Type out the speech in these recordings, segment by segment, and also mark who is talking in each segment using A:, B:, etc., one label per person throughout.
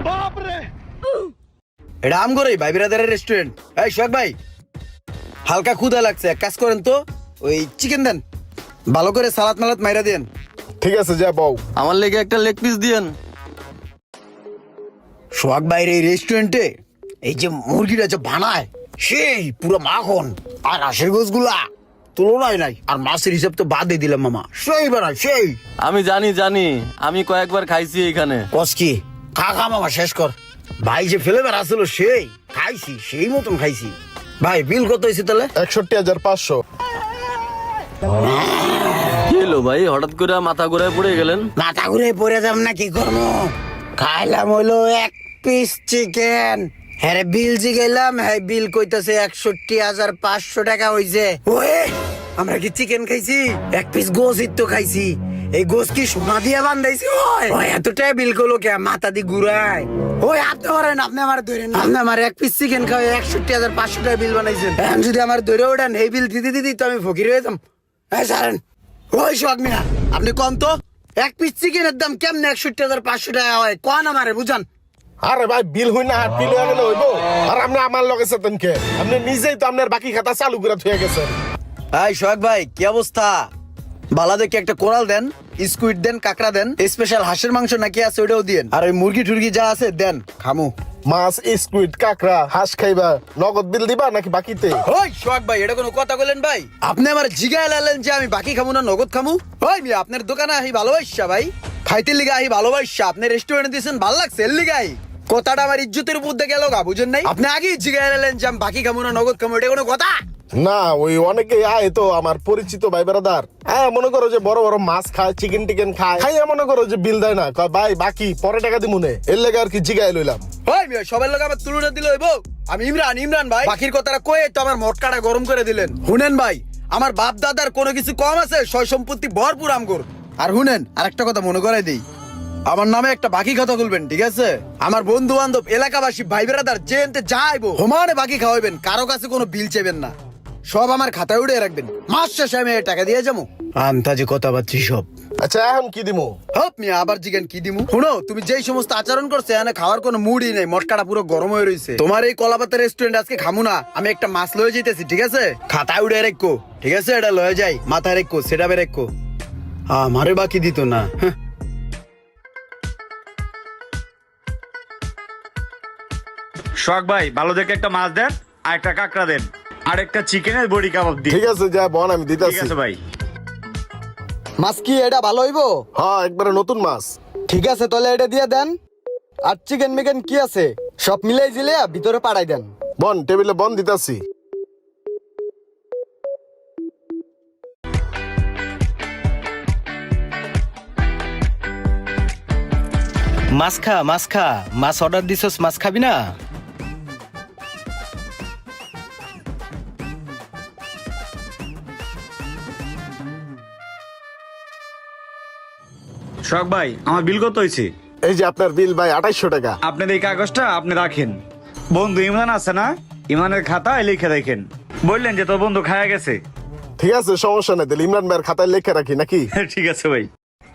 A: এটা আমগোরই ভাই বিরাদারের রেস্টুরেন্ট। এই সোহাগ ভাই, হালকা ক্ষুধা লাগছে, এক কাজ করেন তো ওই চিকেন দেন, ভালো করে সালাদ মালাদ মাইরা দেন।
B: ঠিক আছে যা বউ।
C: আমার লেগে একটা লেগ পিস দিয়েন।
A: সোহাগ ভাইয়ের এই রেস্টুরেন্টে এই যে মুরগিটা যে বানায় সেই পুরো মাখন, আর হাঁসের গোছগুলা তুলনায় নাই, আর মাছের হিসাব তো বাদই দিলাম মামা, সেই বানায় সেই।
C: আমি জানি, আমি কয়েকবার খাইছি এখানে।
A: কসকি খা খা মামা শেষ কর। ভাই যে ফ্লেভার আসলো সেই খাইছি, সেই মতন খাইছি। ভাই বিল কত হয়েছে তাহলে?
B: 61,500।
C: কি হলো ভাই, হঠাৎ করে মাথা ঘুরে পড়ে গেলেন?
A: মাথা ঘুরে পড়ে যাম না, কি করবো? খাইলাম হইলো 1 পিস চিকেন, হ্যাঁ বিল জিগাইলাম, হ্যাঁ বিল কইতাছে 61,500 টাকা হইছে। ওয়ে আমরা কি চিকেন খাইছি? 1 পিস গোশই তো খাইছি। এই গোশ কি সোনা দিয়ে বান্ধাইছি? ওই এতটাই বিল করলো কে? মাথা দি ঘুরায়। ওই আপনি ধরেন, আপনি আমার ধরেন, আপনি আমার 1 পিস চিকেন খাওয়া 61,500 টাকা বিল বানাইছেন। এখন যদি আমার ধরে ওঠেন এই বিল দিতে দিতে তো আমি ফকির হয়ে যাম। হ্যাঁ সারেন। ওই সোহাগ মিয়া আপনি কন তো, 1 পিস চিকেনের দাম কেমনে 61,500 টাকা হয়? কন আমারে বুঝান।
B: আরে ভাই বিল হই না, বিল হয়ে গেলে হইব। আর আপনি আমার লগে সাথেন কে? আপনি নিজেই তো আপনার বাকি খাতা চালু করে থুয়ে গেছেন।
A: এই সোহাগ ভাই কি অবস্থা? বালা দেখে একটা কোরাল দেন, স্কুইড দেন, কাঁকড়া দেন, স্পেশাল হাঁসের মাংস নাকি আছে ওটাও দিয়েন, আর ওই মুরগি টুরগি যা আছে দেন, খামু।
B: মাছ, স্কুইড, কাঁকড়া, হাঁস খাইবা, নগদ বিল দিবা নাকি বাকিতে?
A: ওই সোহাগ ভাই এটা কোনো কথা বলেন ভাই? আপনি আমার জিগায় লালেন যে আমি বাকি খামু না নগদ খামু? ওই মিয়া আপনার দোকানে আহি ভালোবাসা ভাই, খাইতে লিগা আহি ভালোবাসা, আপনি রেস্টুরেন্টে দিয়েছেন ভালো লাগছে এর লিগাই। কথাটা আমার ইজ্জতের উপর দিয়ে গেল গা, বুঝেন নাই? আপনি আগেই জিগায় লালেন যে আমি বাকি খামু না নগদ খামু, এটা কোনো কথা?
B: না ওই অনেকে আয় তো আমার পরিচিত ভাই বেড়াদার, হ্যাঁ মনে করো যে বড় বড় মাছ খায়, চিকেন টিকেন খায়, খাইয়া মনে করো যে বিল দেয় না, কয় ভাই বাকি পরে টাকা দিমুনে, এর লেগে আর কি জিগায় লইলাম।
A: ওই মিয়া সবার লোক আমার তুলনা দিল হইব? আমি ইমরান ভাই, বাকির কথাটা কয়ে তো আমার মটকাটা গরম করে দিলেন। শুনেন ভাই, আমার বাপ দাদার কোনো কিছু কম আছে? সয় সম্পত্তি ভরপুর আমগর। আর শুনেন আরেকটা কথা মনে করাই দিই, আমার নামে একটা বাকি কথা বলবেন, ঠিক আছে? আমার বন্ধু বান্ধব এলাকাবাসী ভাই বেড়াদার যে এনতে যাইবো সমানে বাকি খাওয়াবেন, কারো কাছে কোনো বিল চেবেন না, সব আমার খাতায় উড়ে রাখবেন, মাস শেষে আমি টাকা দিয়ে যাবো। আন্তাজে কথা বাচ্ছি সব।
B: আচ্ছা এখন কি দিমু?
A: হপ মিয়া আবার জিজ্ঞেন কি দিমু? শুনো, তুমি যেই সমস্ত আচরণ করছে এখানে খাওয়ার কোনো মুডই নেই, মটকাটা পুরো গরম হয়ে রয়েছে। তোমার এই কলাপাতা রেস্টুরেন্ট আজকে খামু না, আমি একটা মাছ লয়ে যেতেছি, ঠিক আছে? খাতায় উড়ে রেখো, ঠিক আছে? এটা লয়ে যাই, মাথায় রেখো, সেটা বে রেখো, আমারে বাকি দিত না।
D: শখ ভাই ভালো দেখে একটা মাছ দেন, আর একটা কাঁকড়া দেন, আর একটা চিকেনের বড়ি কাবাব দিন।
B: ঠিক আছে যা বন আমি
D: ঠিক
B: দিতেছি।
D: আছে ভাই।
E: মাছ কি এটা ভালো হইবো?
B: হ্যাঁ একবারে নতুন মাছ।
E: ঠিক আছে তাহলে এটা দিয়ে দেন। আর চিকেন মিকেন কি আছে সব মিলাই জিলে ভিতরে পাঠাই দেন।
B: বন টেবিলে বন দিতেছি।
F: মাছ খা, মাছ অর্ডার দিছস, মাছ খাবি না?
D: শখ ভাই আমার বিল কত হয়েছে?
B: এই যে আপনার বিল ভাই 2800 টাকা।
D: আপনার এই কাগজটা আপনি রাখেন। বন্ধু ইমরান আছে না, ইমরানের খাতায় লিখে রাখেন। বললেন যে তোর বন্ধু খায়া গেছে।
B: ঠিক আছে সমস্যা নাই, তাহলে ইমরান ভাইয়ের খাতায় লেখা রাখি নাকি?
D: ঠিক আছে ভাই।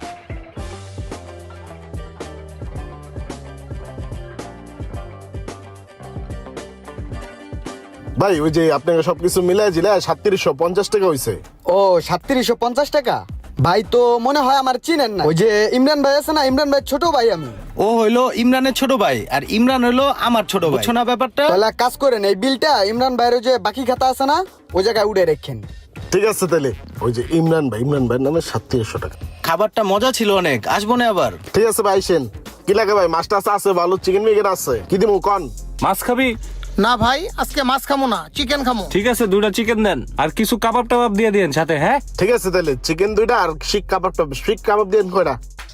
B: ভাই ওই যে আপনাকে সবকিছু মিলাই জিলে 3750 টাকা হইছে।
E: ও 3750 টাকা? ভাই তো মনে হয় আমার চিনেন না। ওই যে ইমরান ভাই আছে না, ইমরান ভাই ছোট ভাই আমি।
F: ও হইলো ইমরানের ছোট ভাই, আর ইমরান হইলো আমার ছোট ভাই, বুঝছো না ব্যাপারটা?
E: তাহলে এক কাজ করেন, এই বিলটা ইমরান ভাইয়ের ওই যে বাকি খাতা আছে না ওই জায়গায় উড়ে রেখেন।
B: ঠিক আছে তাহলে ওই যে ইমরান ভাইয়ের নামে 3700 টাকা।
F: খাবারটা মজা ছিল অনেক, আসবো না আবার?
B: ঠিক আছে ভাই আইসেন। কি লাগে ভাই? মাছটা আছে ভালো, চিকেন মিকেন আছে, কি দিমু কোন?
G: মাছ খাবি?
H: না ভাই আজকে মাছ খামো না, চিকেন খামো।
G: ঠিক আছে 2টা চিকেন দেন, আর কিছু কাবাব টাবাব দিয়ে দিন সাথে। হ্যাঁ
B: ঠিক আছে তাহলে চিকেন 2টা আর শিক কাবাব দেন কয়টা?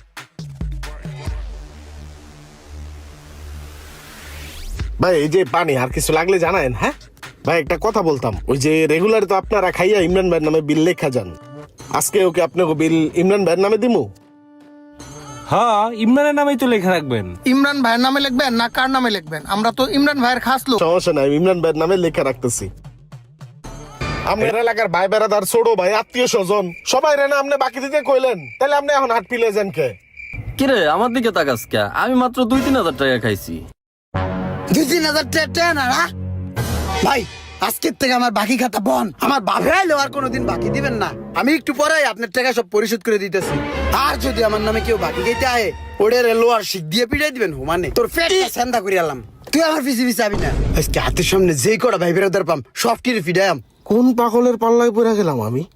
B: ভাই এই যে পানি আর কিছু লাগলে জানায়েন। হ্যাঁ ভাই একটা কথা বলতাম, ওই যে রেগুলার তো আপনারা খাইয়া ইমরান ভাইয়ের নামে বিল লেখা যান, আজকে ওকে আপনাকে বিল ইমরান ভাইয়ের নামে দিমু?
G: হ্যাঁ ইমরানের নামেই তো লেখা রাখবেন।
H: ইমরান ভাইয়ের নামে লিখবেন না কার নামে লিখবেন? আমরা তো ইমরান ভাইয়ের খাস লোক।
B: সমস্যা নাই, ইমরান ভাইয়ের নামে লেখা রাখতেছি। আপনার এলাকার ভাই বেড়াদার, ছোট ভাই, আত্মীয় স্বজন সবাই রে না আপনি বাকি দিতে কইলেন, তাহলে আপনি এখন হাট পিলে যান কে?
C: কিরে আমার দিকে তাকাস কে? আমি মাত্র 2-3 হাজার টাকা খাইছি।
A: 2-3 হাজার টাকা না না ভাই, আজকের থেকে আমার বাকি খাতা বন। আমার বাপে আইলো আর কোনোদিন বাকি দিবেন না। আমি একটু পরে আপনার টাকা সব পরিশোধ করে দিতেছি। আর যদি আমার নামে কেউ বাকি খাইতে আয়, ওদের লোয়ার শিখ দিয়ে পিটাই দিবেন হুমানে। তোর পেটটা সেন্দা করে আলাম। তুই আমার পিছে পিছে আবি না। আজকে হাতের সামনে যেই কটা ভাই বেরোদার পাম সব কিরে ফিডায়াম।
B: কোন পাগলের পাল্লায় পড়ে গেলাম আমি?